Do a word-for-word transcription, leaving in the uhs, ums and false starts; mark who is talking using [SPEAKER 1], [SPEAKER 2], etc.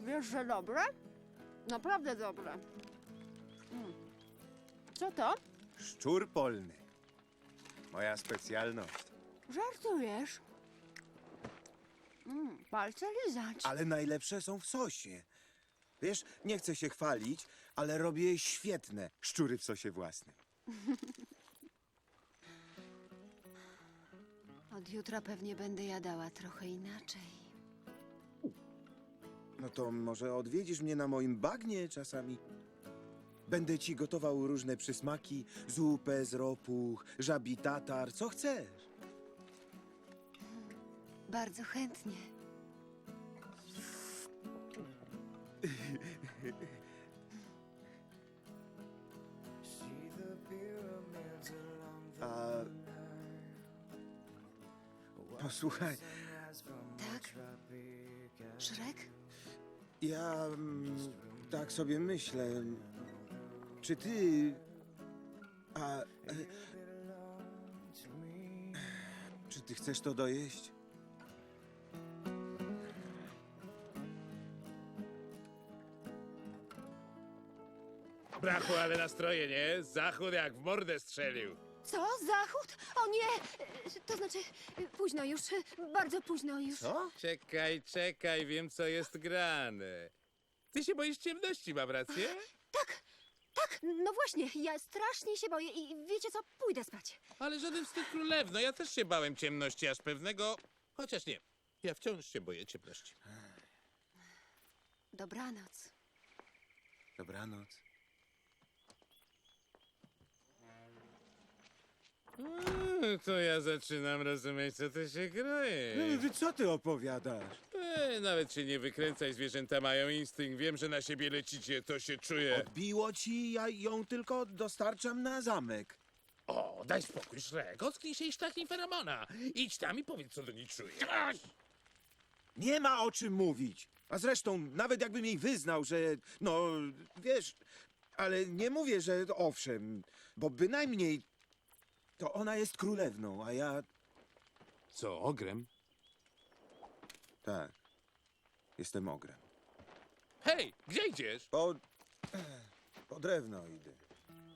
[SPEAKER 1] Wiesz, że dobre? Naprawdę dobre. Mm. Co to?
[SPEAKER 2] Szczur polny. Moja specjalność.
[SPEAKER 1] Żartujesz? Mm, palce lizać.
[SPEAKER 2] Ale najlepsze są w sosie. Wiesz, nie chcę się chwalić, ale robię świetne szczury w sosie własnym.
[SPEAKER 1] Od jutra pewnie będę jadała trochę inaczej.
[SPEAKER 2] No to może odwiedzisz mnie na moim bagnie czasami? Będę ci gotował różne przysmaki, zupę z ropuch, żabi tatar, co chcesz.
[SPEAKER 1] Bardzo chętnie.
[SPEAKER 2] A... Posłuchaj,
[SPEAKER 1] Tak? Szrek?
[SPEAKER 2] ja mm, tak sobie myślę, czy ty... A... E, czy ty chcesz to dojeść?
[SPEAKER 3] Brachu, ale nastroje, nie? Zachód jak w mordę strzelił.
[SPEAKER 1] Co? Zachód? O nie! E, To znaczy, e, późno już, e, bardzo późno już.
[SPEAKER 2] Co?
[SPEAKER 3] Czekaj, czekaj, wiem co jest grane. Ty się boisz ciemności, mam rację?
[SPEAKER 1] Tak, tak, no właśnie, ja strasznie się boję i wiecie co, pójdę spać.
[SPEAKER 3] Ale żaden wstyd królewno, ja też się bałem ciemności, aż pewnego... Chociaż nie, ja wciąż się boję ciemności.
[SPEAKER 1] Dobranoc.
[SPEAKER 2] Dobranoc.
[SPEAKER 3] Mm, to ja zaczynam rozumieć, co ty się kroje.
[SPEAKER 2] Wy co ty opowiadasz?
[SPEAKER 3] E, nawet się nie wykręcaj, zwierzęta mają instynkt. Wiem, że na siebie lecicie, to się czuje.
[SPEAKER 2] Odbiło ci, ja ją tylko dostarczam na zamek.
[SPEAKER 3] O, daj spokój, Szrek, ocknij się i sztachnij feromona. Idź tam i powiedz, co do niej czujesz.
[SPEAKER 2] Nie ma o czym mówić. A zresztą, nawet jakbym jej wyznał, że no, wiesz, ale nie mówię, że owszem, bo bynajmniej to ona jest królewną, a ja...
[SPEAKER 3] Co, ogrem?
[SPEAKER 2] Tak, jestem ogrem.
[SPEAKER 3] Hej, gdzie idziesz?
[SPEAKER 2] Po... po drewno idę.